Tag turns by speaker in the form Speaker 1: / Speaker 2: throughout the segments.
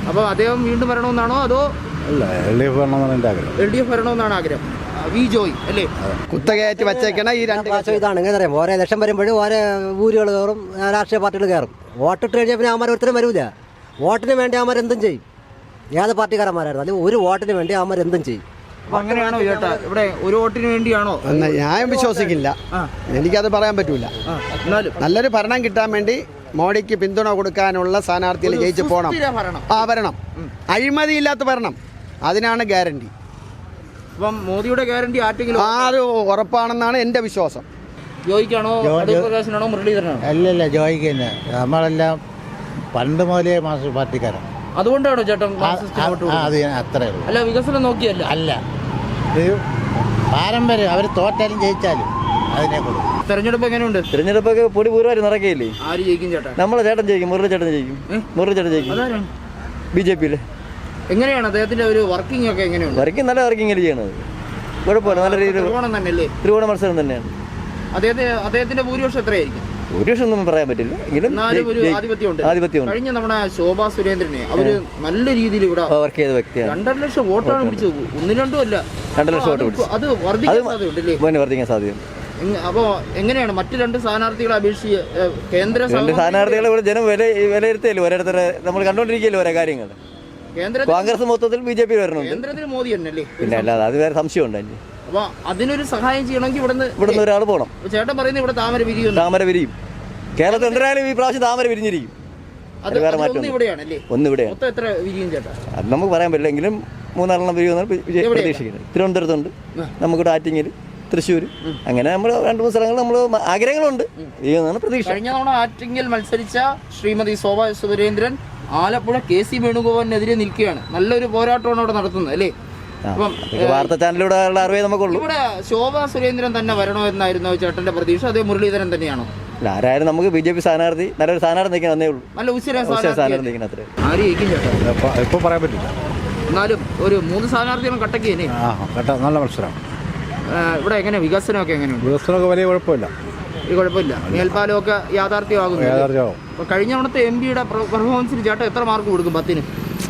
Speaker 1: അപ്പോൾ അദ്ദേഹം വീണ്ടും വരണമെന്നാണോ അതോ
Speaker 2: അല്ല LDF വരണമെന്നാണ് എൻ്റെ ആഗ്രഹം.
Speaker 1: LDF വരണമെന്നാണ് ആഗ്രഹം. വി ജോയ് അല്ലേ?
Speaker 3: കുത്തകയറ്റി വച്ചേക്കണ ഈ രണ്ട്
Speaker 4: ഇതാണ് എങ്ങനെ അറിയാം. ഓരോ ഇലക്ഷൻ വരുമ്പോഴും ഓരോ ഊരുകൾ കയറും, രാഷ്ട്രീയ പാർട്ടികൾ കയറും. വോട്ടിട്ട് കഴിഞ്ഞാൽ പിന്നെ അവന്മാർ ഒരുത്തരും വരൂല. വോട്ടിന് വേണ്ടി അവന്മാർ എന്തും ചെയ്യും. ഏത് പാർട്ടിക്കാരന്മാരായിരുന്നു അല്ലെങ്കിൽ ഒരു വോട്ടിന് വേണ്ടി അവന്മാർ എന്തും ചെയ്യും.
Speaker 1: അപ്പോൾ അങ്ങനെയാണോ ചേട്ടാ? ഇവിടെ ഒരു വോട്ടിന് വേണ്ടിയാണോ?
Speaker 3: ഞാൻ വിശ്വസിക്കില്ല, എനിക്കത് പറയാൻ പറ്റൂല. നല്ലൊരു ഭരണം കിട്ടാൻ വേണ്ടി മോഡിക്ക് പിന്തുണ കൊടുക്കാനുള്ള സ്ഥാനാർത്ഥികൾ ജയിച്ചു പോകണം. വരണം, അഴിമതിയില്ലാത്ത ഭരണം, അതിനാണ് ഗ്യാരണ്ടി.
Speaker 1: അപ്പം മോദിയുടെ ഗ്യാരണ്ടി ആർക്കെങ്കിലും
Speaker 3: അത് ഉറപ്പാണെന്നാണ് എൻ്റെ വിശ്വാസം.
Speaker 1: ജോയിക്കാണോ പ്രകാശനാണോ മുരളീധരനാണോ?
Speaker 2: അല്ലല്ല, ജോയിക്ക് തന്നെ. നമ്മളെല്ലാം പണ്ട് മുതലേ മാർക്സിസ്റ്റ് പാർട്ടിക്കാരാണ്.
Speaker 1: അതുകൊണ്ടാണോ ചേട്ടൻ
Speaker 2: അത് അത്രേ ഉള്ളൂ.
Speaker 1: അല്ല വികസനം നോക്കിയല്ല.
Speaker 2: അല്ല, ഇത് പാരമ്പര്യം. അവർ തോറ്റാലും ജയിച്ചാലും അതിനെ കൊടുക്കും.
Speaker 1: തെരഞ്ഞെടുപ്പ് എങ്ങനെയുണ്ട്?
Speaker 5: തെരഞ്ഞെടുപ്പൊക്കെ പൊടി പൂർവ്വം നടക്കുകയില്ലേ?
Speaker 1: ആര് ജയിക്കും ചേട്ടാ?
Speaker 5: നമ്മളെ ചേട്ടൻ ജയിക്കും, മുരളി ചേട്ടൻ ജയിക്കും. മുരളി ചേട്ടൻ ജയിക്കും. BJP-യില്.
Speaker 1: എങ്ങനെയാണ് അദ്ദേഹത്തിന്റെ ഒരു വർക്കിംഗ് ഒക്കെ എങ്ങനെയുണ്ട്?
Speaker 5: വർക്കിംഗ് നല്ല വർക്കിംഗ് ചെയ്യണത്, കുഴപ്പമില്ല. നല്ല രീതിയിൽ ത്രികോണ മത്സരം തന്നെയാണ്.
Speaker 1: അദ്ദേഹത്തിന്റെ ഭൂരിപക്ഷം എത്രയായിരിക്കും?
Speaker 5: ഭൂരിപക്ഷം ഒന്നും പറയാൻ പറ്റില്ല, എങ്കിലും ആധിപത്യം.
Speaker 1: കഴിഞ്ഞ നമ്മുടെ ശോഭാ സുരേന്ദ്രനെ അവര് നല്ല രീതിയിൽ ഇവിടെ
Speaker 5: വർക്ക് ചെയ്ത വ്യക്തിയാണ്.
Speaker 1: 2.5 ലക്ഷം വോട്ടാണ് പിടിച്ചത്. 1-2 അല്ല,
Speaker 5: 2 ലക്ഷം വോട്ട് പിടിച്ചു.
Speaker 1: അത് വർദ്ധിക്കാൻ
Speaker 5: സാധ്യത.
Speaker 1: അപ്പോ എങ്ങനെയാണ് മറ്റു രണ്ട് സ്ഥാനാർത്ഥികളെ അപേക്ഷിച്ച്
Speaker 5: രണ്ട് സ്ഥാനാർത്ഥികളെ ഇവിടെ ജനം വിലയിരുത്തിയല്ലോ. ഓരോരുത്തരെ നമ്മൾ കണ്ടോണ്ടിരിക്കല്ലോ ഓരോ കാര്യങ്ങൾ. കോൺഗ്രസ് മൊത്തത്തിൽ BJP വരണുണ്ട്.
Speaker 1: കേന്ദ്രത്തിൽ മോദി തന്നെയല്ലേ?
Speaker 5: പിന്നെ അല്ലാതെ അത് വേറെ സംശയമുണ്ടല്ലേ?
Speaker 1: അപ്പൊ അതിനൊരു സഹായം ചെയ്യണമെങ്കിൽ
Speaker 5: ഇവിടുന്ന് ഒരാൾ പോകണം.
Speaker 1: ചേട്ടൻ പറയുന്നത് ഇവിടെ താമര വിരിയും.
Speaker 5: കേരളത്തിൽ എന്തായാലും ഈ പ്രാവശ്യം താമര വിരിഞ്ഞിരിക്കും. അത് വേറെ മാറ്റം
Speaker 1: ഇവിടെയാണല്ലേ?
Speaker 5: ഒന്നിവിടെ
Speaker 1: എത്ര വിരിയും ചേട്ടാ?
Speaker 5: അത് നമുക്ക് പറയാൻ പറ്റില്ല, എങ്കിലും 3-4 വിരിയുമെന്നാണ് പ്രതീക്ഷിക്കുന്നത്. തിരുവനന്തപുരത്തുണ്ട്, നമുക്കിവിടെ ആറ്റിങ്ങൽ, തൃശ്ശൂർ, അങ്ങനെ നമ്മൾ 2-3 സ്ഥലങ്ങൾ നമ്മൾ ആഗ്രഹങ്ങളുണ്ട്. ചെയ്യുന്നതാണ് പ്രതീക്ഷ.
Speaker 1: കഴിഞ്ഞ തവണ ആറ്റിങ്ങൽ മത്സരിച്ച ശ്രീമതി ശോഭാ സുരേന്ദ്രൻ ആലപ്പുഴ KC വേണുഗോപാലിനെതിരെ നിൽക്കുകയാണ്. നല്ലൊരു പോരാട്ടമാണ് അവിടെ നടത്തുന്നത് അല്ലേ?
Speaker 5: വാർത്താ ചാനലിലൂടെ അറിവേ നമുക്കുള്ളൂ.
Speaker 1: ഇവിടെ ശോഭാ സുരേന്ദ്രൻ തന്നെ വരണോ എന്നായിരുന്നു ചേട്ടന്റെ പ്രതീക്ഷ? അതേ മുരളീധരൻ തന്നെയാണോ?
Speaker 5: ആരായാലും നമുക്ക് BJP സ്ഥാനാർത്ഥി നല്ലൊരു സ്ഥാനാർത്ഥി നിൽക്കാൻ വന്നേ ഉള്ളൂ.
Speaker 1: നല്ല
Speaker 5: സ്ഥാനാർത്ഥി നിൽക്കണം. അത്രേ
Speaker 1: ആര് ജയിക്കും ചേട്ടാ?
Speaker 2: ഇപ്പോൾ പറയാൻ പറ്റില്ല.
Speaker 1: എന്നാലും ഒരു 3 സ്ഥാനാർത്ഥികളും കട്ടക്കിയേ.
Speaker 2: നല്ല മത്സരം.
Speaker 1: ഇവിടെ എങ്ങനെ വികസനമൊക്കെ എങ്ങനെയുണ്ട്?
Speaker 2: വികസനമൊക്കെ വലിയ കുഴപ്പമില്ല.
Speaker 1: മേൽപ്പാലമൊക്കെ യാഥാർത്ഥ്യമാകുന്നു. അപ്പൊ കഴിഞ്ഞ തവണത്തെ MP-യുടെ പെർഫോമൻസിന് ചേട്ടൻ എത്ര മാർക്ക് കൊടുക്കും? 10-ന്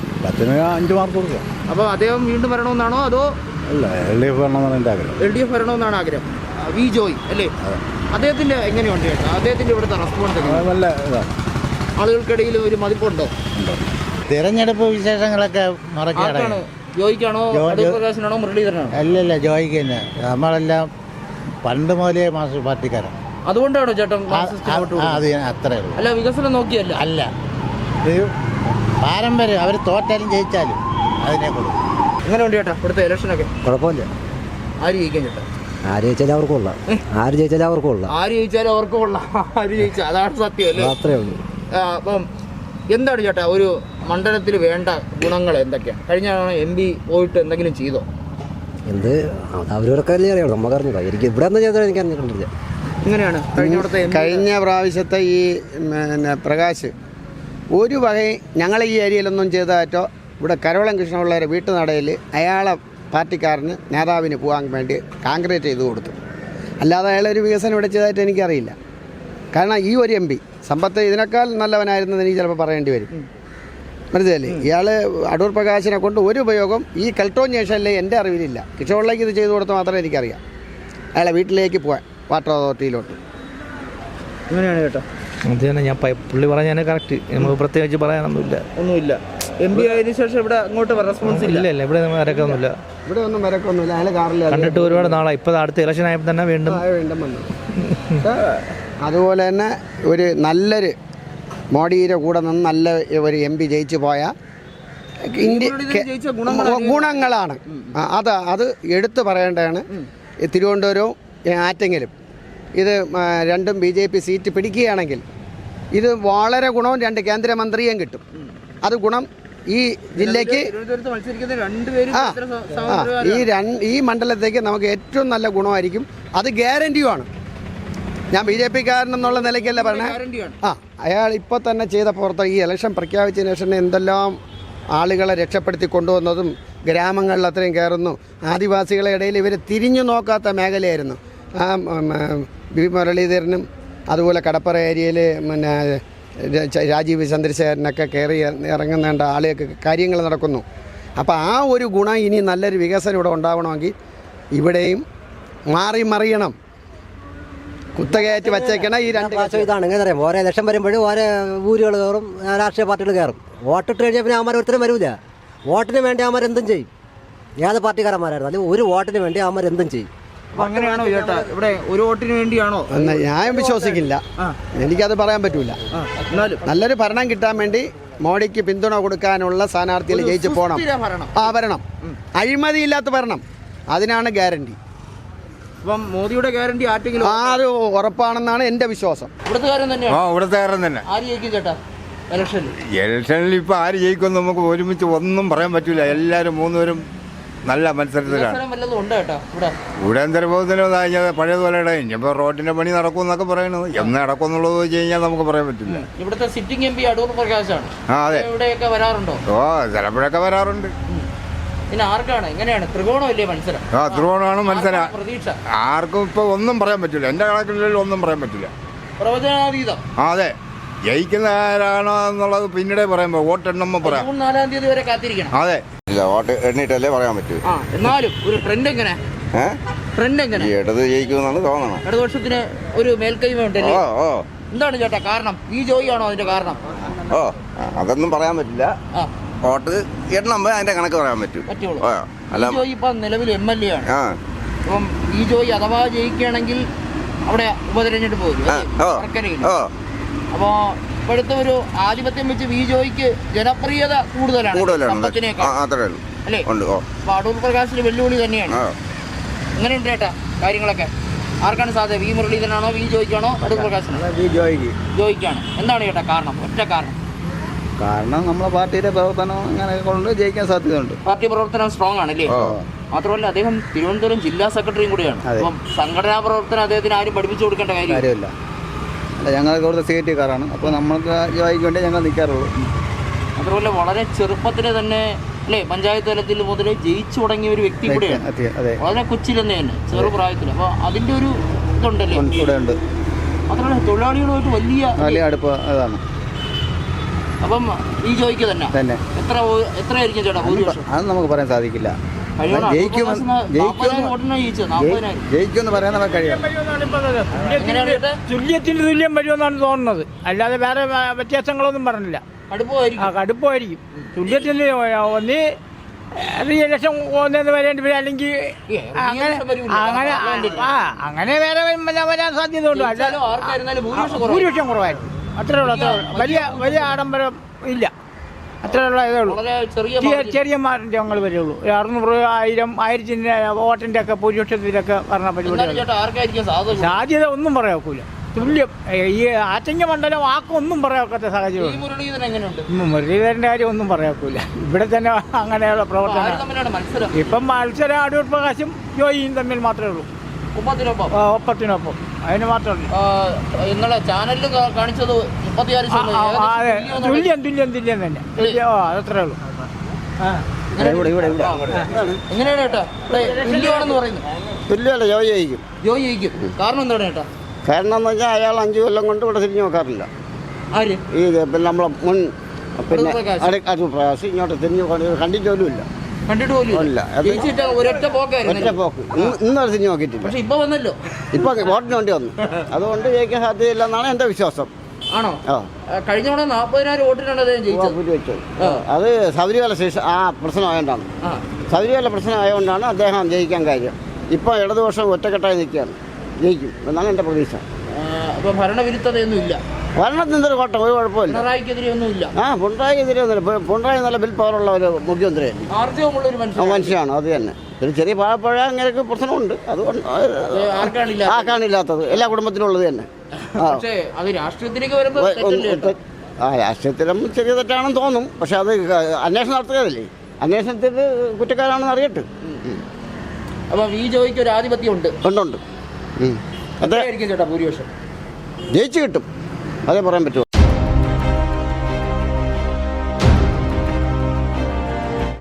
Speaker 2: 5 മാർക്ക് കൊടുക്കും.
Speaker 1: അപ്പോൾ അദ്ദേഹം വീണ്ടും വരണമെന്നാണോ അതോ
Speaker 2: അല്ല LDF വരണമെന്നാണ് എൻ്റെ ആഗ്രഹം.
Speaker 1: LDF വരണമെന്നാണ് ആഗ്രഹം. വി ജോയ് അല്ലേ? അദ്ദേഹത്തിന്റെ എങ്ങനെയുണ്ട് ചേട്ടാ? അദ്ദേഹത്തിന്റെ ഇവിടുത്തെ റെസ്പോൺസ്
Speaker 2: നല്ല ഇതാണ്.
Speaker 1: ആളുകൾക്കിടയിൽ ഒരു മതിപ്പുണ്ടോ?
Speaker 2: തിരഞ്ഞെടുപ്പ് വിശേഷങ്ങളൊക്കെ മറക്കാണ്.
Speaker 1: ജോയിക്കാണോ പ്രകാശനാണോ മുരളീധരനാണോ?
Speaker 2: അല്ലല്ല, ജോയിക്ക് തന്നെ. നമ്മളെല്ലാം പണ്ട് മുതലേ മാർക്സിസ്റ്റ് പാർട്ടിക്കാരാണ്.
Speaker 1: അതുകൊണ്ടാണോ ചേട്ടൻ?
Speaker 2: അത് അത്രേ ഉള്ളൂ.
Speaker 1: അല്ല വികസനം നോക്കിയല്ല.
Speaker 2: അല്ല, ഇത് പാരമ്പര്യം. അവർ തോറ്റാലും ജയിച്ചാലും അതിനെ കൊടുക്കും.
Speaker 1: എങ്ങനെയുണ്ട് ചേട്ടാ ഇവിടുത്തെ ഇലക്ഷനൊക്കെ?
Speaker 4: കുഴപ്പമില്ല.
Speaker 1: ആര് ജയിക്കാൻ ചേട്ടാ?
Speaker 4: ആര് ജയിച്ചാലും അവർക്ക് കൊള്ളാം.
Speaker 1: ആര് ജയിച്ചാലും അവർക്ക് കൊള്ളാം. അതാണ് സത്യം അല്ലേ?
Speaker 4: അത്രേ ഉള്ളൂ.
Speaker 1: അപ്പം എന്താണ് ചേട്ടാ ഒരു മണ്ഡലത്തിൽ വേണ്ട ഗുണങ്ങൾ എന്തൊക്കെയാണ്? കഴിഞ്ഞ MP പോയിട്ട് എന്തെങ്കിലും ചെയ്തോ?
Speaker 4: എന്ത് അവരൊക്കെ അറിയാം, നമുക്കറിഞ്ഞില്ല. എനിക്ക് ഇവിടെ എന്താ ചെയ്താൽ എനിക്ക് അറിഞ്ഞിട്ടില്ല.
Speaker 1: എങ്ങനെയാണ്
Speaker 3: കഴിഞ്ഞ പ്രാവശ്യത്തെ ഈ പ്രകാശ് ഒരു വകയും ഞങ്ങളെ ഈ ഏരിയയിലൊന്നും ചെയ്തതായിട്ടോ. ഇവിടെ കരോളം കൃഷ്ണപിള്ളയുടെ വീട്ടുനടയിൽ അയാളെ പാർട്ടിക്കാരന് നേതാവിന് പോകാൻ വേണ്ടി കാൺക്രീറ്റ് ചെയ്ത് കൊടുത്തു. അല്ലാതെ അയാളൊരു വികസനം ഇവിടെ ചെയ്തതായിട്ട് എനിക്കറിയില്ല. കാരണം ഈ ഒരു MP സമ്പത്ത് ഇതിനേക്കാൾ നല്ലവനായിരുന്നെന്ന് എനിക്ക് ചിലപ്പോൾ പറയേണ്ടി വരും. മനസ്സിലല്ലേ? ഇയാൾ അടൂർ പ്രകാശിനെ കൊണ്ട് ഒരു ഉപയോഗം ഈ കെൽട്ടോൺ ജംഗ്ഷനിലെ എൻ്റെ അറിവിലില്ല. കിഷോളിലേക്ക് ഇത് ചെയ്തു കൊടുത്ത് മാത്രമേ എനിക്കറിയാം. അയാളെ വീട്ടിലേക്ക് പോകാൻ വാട്ടർ അതോറിറ്റിയിലോട്ട്.
Speaker 1: എങ്ങനെയാണ് ചേട്ടാ?
Speaker 6: അത് തന്നെ ഞാൻ പുള്ളി പറഞ്ഞാൽ കറക്റ്റ്. നമുക്ക് പ്രത്യേകിച്ച് പറയാനൊന്നുമില്ല.
Speaker 1: MP ആയതിനു ശേഷം ഇവിടെ അങ്ങോട്ട് റെസ്പോൺസ് ഇല്ല.
Speaker 6: ഇവിടെ വരക്കൊന്നുമില്ല.
Speaker 3: ഇവിടെ ഒന്നും വരക്കൊന്നുമില്ല. അയാൾ കാറിൽ
Speaker 6: കണ്ടിട്ട് ഒരുപാട് നാളായി. ഇപ്പോൾ അടുത്ത ഇലക്ഷൻ ആയപ്പോൾ തന്നെ വീണ്ടും
Speaker 3: വന്നു. അതുപോലെ തന്നെ ഒരു നല്ലൊരു മോഡിയുടെ കൂടെ നിന്ന് നല്ല ഒരു MP ജയിച്ചു പോയ ഗുണങ്ങളാണ്. അത് എടുത്തു പറയേണ്ടതാണ്. തിരുവനന്തപുരവും ആറ്റിങ്ങലും ഇത് രണ്ടും BJP സീറ്റ് പിടിക്കുകയാണെങ്കിൽ ഇത് വളരെ ഗുണവും 2 കേന്ദ്രമന്ത്രിയും കിട്ടും. അത് ഗുണം ഈ ജില്ലയ്ക്ക്. ഈ മണ്ഡലത്തേക്ക് നമുക്ക് ഏറ്റവും നല്ല ഗുണമായിരിക്കും. അത് ഗ്യാരണ്ടിയുമാണ്. ഞാൻ BJP-കാരനെന്നുള്ള നിലയ്ക്കല്ല പറഞ്ഞത്. അയാൾ ഇപ്പോൾ തന്നെ ചെയ്ത ഈ ഇലക്ഷൻ പ്രഖ്യാപിച്ചതിന് ശേഷം എന്തെല്ലാം ആളുകളെ രക്ഷപ്പെടുത്തി കൊണ്ടുവന്നതും ഗ്രാമങ്ങളിൽ അത്രയും കയറുന്നു. ആദിവാസികളുടെ ഇടയിൽ ഇവർ തിരിഞ്ഞു നോക്കാത്ത മേഖലയായിരുന്നു. വി മുരളീധരനും അതുപോലെ കടപ്പുറ ഏരിയയിൽ രാജീവ് ചന്ദ്രശേഖരനൊക്കെ കയറി ഇറങ്ങുന്നേണ്ട ആളുകൾക്ക് കാര്യങ്ങൾ നടക്കുന്നു. അപ്പോൾ ആ ഒരു ഗുണം ഇനി നല്ലൊരു വികസനം ഇവിടെ ഉണ്ടാവണമെങ്കിൽ ഇവിടെയും മാറി മറിയണം. കുത്തകയറ്റി വച്ചേക്കണം ഈ രണ്ട്
Speaker 4: പ്രാവശ്യം ഇതാണ് എങ്ങനെ അറിയാം. ഓരോ ഇലക്ഷൻ വരുമ്പോഴും ഓരോ ഊരുകൾ കയറും, രാഷ്ട്രീയ പാർട്ടികൾ കയറും. വോട്ടിട്ട് കഴിഞ്ഞാൽ പിന്നെ അവന്മാർ ഒരുത്തരും വരില്ല. വോട്ടിന് വേണ്ടി അവന്മാർ എന്തും ചെയ്യും. ഏത് പാർട്ടിക്കാരന്മാരായിരുന്നു, അല്ലെങ്കിൽ ഒരു വോട്ടിന് വേണ്ടി അവന്മാർ എന്തും ചെയ്യും.
Speaker 1: അപ്പൊ അങ്ങനെയാണോ ചേട്ടാ? ഇവിടെ ഒരു വോട്ടിന് വേണ്ടിയാണോ?
Speaker 3: ഞാൻ വിശ്വസിക്കില്ല, എനിക്കത് പറയാൻ പറ്റൂല.
Speaker 1: എന്നാലും
Speaker 3: നല്ലൊരു ഭരണം കിട്ടാൻ വേണ്ടി മോഡിക്ക് പിന്തുണ കൊടുക്കാനുള്ള സ്ഥാനാർത്ഥികൾ ജയിച്ചു പോകണം. ഭരണം അഴിമതിയില്ലാത്ത ഭരണം, അതിനാണ് ഗ്യാരണ്ടി.
Speaker 1: അപ്പം മോദിയുടെ ഗ്യാരണ്ടി ആർക്കെങ്കിലും
Speaker 3: അത് ഉറപ്പാണെന്നാണ് എൻ്റെ വിശ്വാസം.
Speaker 1: ഇവിടുത്തുകാരൻ തന്നെയാണ്.
Speaker 7: ഇവിടുത്തുകാരൻ തന്നെ.
Speaker 1: ആര് ജയിക്കും ചേട്ടാ
Speaker 7: ഇലക്ഷനിൽ ഇപ്പൊ ആര് ജയിക്കുമെന്ന് നമുക്ക് ഒരുമിച്ച് ഒന്നും പറയാൻ പറ്റൂല. എല്ലാവരും മൂന്നുപേരും നല്ല മത്സരത്തിലാണ്. ഇവിടെ എന്തരബോധന പഴയതുപോലെ ഇനിയിപ്പോ റോഡിന്റെ പണി നടക്കുമെന്നൊക്കെ പറയുന്നത്. എന്ന് നടക്കുമെന്നുള്ളത് വെച്ച് കഴിഞ്ഞാൽ നമുക്ക് പറയാൻ പറ്റില്ല.
Speaker 1: ഇവിടുത്തെ സിറ്റിംഗ് എം പി അടൂർ പ്രകാശാണ്.
Speaker 7: അതെ,
Speaker 1: ഇവിടെയൊക്കെ വരാറുണ്ടോ?
Speaker 7: ചിലപ്പോഴൊക്കെ വരാറുണ്ട്.
Speaker 1: പിന്നെ ആർക്കാണ്, എങ്ങനെയാണ്? ത്രികോണമല്ലേ മത്സരം?
Speaker 7: ത്രികോണമാണ് മത്സരം.
Speaker 1: പ്രതീക്ഷ
Speaker 7: ആർക്കും ഇപ്പൊ ഒന്നും പറയാൻ പറ്റില്ല. എന്റെ കണക്കിൽ ഒന്നും പറയാൻ പറ്റില്ല.
Speaker 1: പ്രവചനാതീതം.
Speaker 7: അതെ, ജയിക്കുന്ന ആരാണോ എന്നുള്ളത് പിന്നീട് പറയുമ്പോ വോട്ടെണ്ണുമ്പോ പറയാം.
Speaker 1: 4 തീയതി വരെ കാത്തിരിക്കണം.
Speaker 7: അതെ, ഇല്ല, വോട്ട് എണ്ണിട്ടല്ലേ പറയാൻ പറ്റൂ.
Speaker 1: എന്നാലും ഒരു ട്രെൻഡ് എങ്ങനെ?
Speaker 7: ഇടത് ജയിക്കുമെന്നാണ് തോന്നണം.
Speaker 1: ഇടതുപക്ഷത്തിന് ഒരു മേൽക്കൈമ ഉണ്ടല്ലേ? എന്താണ് ചേട്ടാ കാരണം? ഈ ജോയി ആണോ അതിന്റെ കാരണം?
Speaker 7: അതൊന്നും പറയാൻ പറ്റില്ല. വോട്ട് എണ്ണുമ്പോ അതിന്റെ കണക്ക് പറയാൻ
Speaker 1: പറ്റുള്ളൂ. ജോയി ഇപ്പൊ നിലവിൽ MLA ആണ്. അപ്പം ഈ ജോയി അഥവാ ജയിക്കുകയാണെങ്കിൽ അവിടെ ഉപതെരഞ്ഞെടുപ്പ് വരും. അപ്പോ ഇപ്പോഴത്തെ ഒരു ആധിപത്യം വെച്ച് വി ജോയിക്ക് ജനപ്രിയത കൂടുതലാണ് അല്ലേ? അപ്പൊ അടൂർ പ്രകാശിന് വെല്ലുവിളി തന്നെയാണ്. എങ്ങനെയുണ്ട് ചേട്ടാ കാര്യങ്ങളൊക്കെ? ആർക്കാണ് സാധ്യത? വി മുരളീധരനാണോ, വി ജോയിക്കാണോ, അടൂർ പ്രകാശിനാണോ? ജോയിക്കാണ്. എന്താണ് ചേട്ടാ കാരണം? ഒറ്റ കാരണം
Speaker 6: നമ്മളെ പാർട്ടിയുടെ പ്രവർത്തനം അങ്ങനെ കൊണ്ട് ജയിക്കാൻ സാധ്യതയുണ്ട്.
Speaker 1: പാർട്ടി പ്രവർത്തനം സ്ട്രോങ് ആണല്ലേ? മാത്രമല്ല അദ്ദേഹം തിരുവനന്തപുരം ജില്ലാ സെക്രട്ടറിയും കൂടിയാണ്. അപ്പം സംഘടനാ പ്രവർത്തനം അദ്ദേഹത്തിന് ആരും പഠിപ്പിച്ചു കൊടുക്കേണ്ട കാര്യമില്ല.
Speaker 6: അല്ല, ഞങ്ങൾക്ക് ഇവിടുത്തെ CIT-കാരാണ്. അപ്പോൾ നമ്മൾക്ക് ജോയിക്ക് വേണ്ടി ഞങ്ങൾ നിൽക്കാറുള്ളൂ.
Speaker 1: മാത്രമല്ല വളരെ ചെറുപ്പത്തിന് തന്നെ അല്ലേ പഞ്ചായത്ത് തലത്തിൽ മുതൽ ജയിച്ചു തുടങ്ങിയ ഒരു വ്യക്തി കൂടെയാണ്. വളരെ കൊച്ചിൽ തന്നെ ചെറുപ്രായത്തിൽ. അപ്പോൾ അതിൻ്റെ ഒരു ഇതുണ്ടല്ലേ
Speaker 6: ഇവിടെ ഉണ്ട്.
Speaker 1: മാത്രമല്ല തൊഴിലാളികളുമായിട്ട് വലിയ
Speaker 6: അടുപ്പ് അതാണ്.
Speaker 1: അപ്പം ഈ ജോയിക്ക് തന്നെ എത്രയായിരിക്കും ചേട്ടാ ഭൂരിപക്ഷം?
Speaker 6: അത് നമുക്ക് പറയാൻ സാധിക്കില്ല. ജയിക്കുമെന്ന് പറയാൻ നമുക്ക് കഴിയാം.
Speaker 8: തുല്യത്തിന് തുല്യം വരുമെന്നാണ് തോന്നുന്നത്. അല്ലാതെ വേറെ വ്യത്യാസങ്ങളൊന്നും പറഞ്ഞില്ല. കടുപ്പമായിരിക്കും. തുല്യത്തിന് ഒന്നി റിയലക്ഷൻ ഒന്നെന്ന് വരേണ്ടി വരും, അല്ലെങ്കിൽ അങ്ങനെ വേറെ വരാൻ സാധ്യതയുണ്ട്. അല്ലാതെ ഭൂരിപക്ഷം കുറവായിരിക്കും. അത്രേ ഉള്ളൂ. വലിയ ആഡംബരം ഇല്ല. അത്രയുള്ള ഇതേ ഉള്ളൂ. ചെറിയ മാറ്റങ്ങൾ വരുള്ളൂ. 600, 1000, 1000 വോട്ടിന്റെ ഒക്കെ ഭൂരിപക്ഷത്തിലൊക്കെ പറഞ്ഞ പരിപാടി. സാധ്യത ഒന്നും പറയാൻ ഒക്കില്ല. തുല്യം. ഈ ആറ്റിങ്ങ മണ്ഡലം ആക്കൊന്നും പറയാത്ത സാഹചര്യം. മുരളീധരന്റെ കാര്യം ഒന്നും പറയാക്കൂല. ഇവിടെ തന്നെ അങ്ങനെയുള്ള പ്രവർത്തനം. ഇപ്പം മത്സരം അടൂർ പ്രകാശും ജോയിയും തമ്മിൽ മാത്രമേ ഉള്ളൂ. ഒപ്പത്തിനൊപ്പം അതിന് മാത്രമേ
Speaker 1: ഇന്നലെ ചാനലിൽ കാണിച്ചത്
Speaker 8: 36. തുല്യം തന്നെ. അതത്രേ ഉള്ളൂ.
Speaker 1: എങ്ങനെയാണ് ചേട്ടാ തുല്യമാണെന്ന് പറയുന്നത്?
Speaker 3: തുല്യമല്ല, ജോയി ജയിക്കും.
Speaker 1: ജോയി ജയിക്കും. കാരണം എന്താണ് ചേട്ടാ?
Speaker 3: കാരണം എന്ന് വെച്ചാൽ അയാൾ 5 കൊല്ലം കൊണ്ട് ഇവിടെ തിരിഞ്ഞു നോക്കാറില്ല. ഈ പിന്നെ നമ്മളെ മുൻ പിന്നെ അടൂർ പ്രകാശ് ഇങ്ങോട്ട് തിരിഞ്ഞു കണ്ടിട്ട് പോലും ഇല്ല.
Speaker 1: ഒറ്റ പോക്ക്
Speaker 3: ഇന്നൊരു തിരിഞ്ഞു നോക്കിയിട്ടില്ല.
Speaker 1: പക്ഷെ ഇപ്പൊ വന്നല്ലോ.
Speaker 3: ഇപ്പൊ വോട്ടിന് വേണ്ടി വന്നു. അതുകൊണ്ട് ജയിക്കാൻ സാധ്യതയില്ല എന്നാണ് എന്റെ വിശ്വാസം.
Speaker 1: ആണോ? കഴിഞ്ഞ തവണ 40,000 വോട്ടിനാണ് അദ്ദേഹം ജയിച്ചത്.
Speaker 3: അത് ശബരിമല പ്രശ്നമായതുകൊണ്ടാണ്. ശബരിമല പ്രശ്നമായതുകൊണ്ടാണ് അദ്ദേഹം ജയിക്കാൻ കാര്യം. ഇപ്പൊ ഇടതുപക്ഷം ഒറ്റക്കെട്ടായി നിൽക്കുകയാണ്. ജയിക്കും എന്നാണ് എന്റെ പ്രതീക്ഷ.
Speaker 1: അപ്പൊ ഭരണവിരുദ്ധതയൊന്നും ഇല്ല.
Speaker 3: ഭരണത്തിൻ്റെ ഒരു കോട്ടം, ഒരു കുഴപ്പമില്ല.
Speaker 1: പിണറായിക്കെതിരെ ഒന്നുമില്ല.
Speaker 3: പിണറായിക്കെതിരെ ഒന്നുമില്ല. പിണറായി നല്ല ബിൽ പവറുള്ള ഒരു മുഖ്യമന്ത്രിയാണ്. മനുഷ്യനാണ്. അത് തന്നെ. ഒരു ചെറിയ പാഴപ്പഴ അങ്ങനെയൊക്കെ പ്രശ്നമുണ്ട്. അതുകൊണ്ട് ആർക്കാണില്ലാത്തത് എല്ലാ കുടുംബത്തിനും ഉള്ളത് തന്നെ. രാഷ്ട്രീയത്തിലും ചെറിയ തെറ്റാണെന്ന് തോന്നും. പക്ഷെ അത് അന്വേഷണം നടത്തുകയല്ലേ. അന്വേഷണത്തിൽ കുറ്റക്കാരാണെന്ന് അറിയട്ടെ.
Speaker 1: അപ്പൊ വി ജോയിക്ക് ഒരു ആധിപത്യം ഉണ്ട്.
Speaker 3: ഉണ്ട്.
Speaker 1: ചേട്ടാ ഭൂരിപക്ഷം
Speaker 3: ജയിച്ചു കിട്ടും, അതേ പറയാൻ പറ്റുമോ?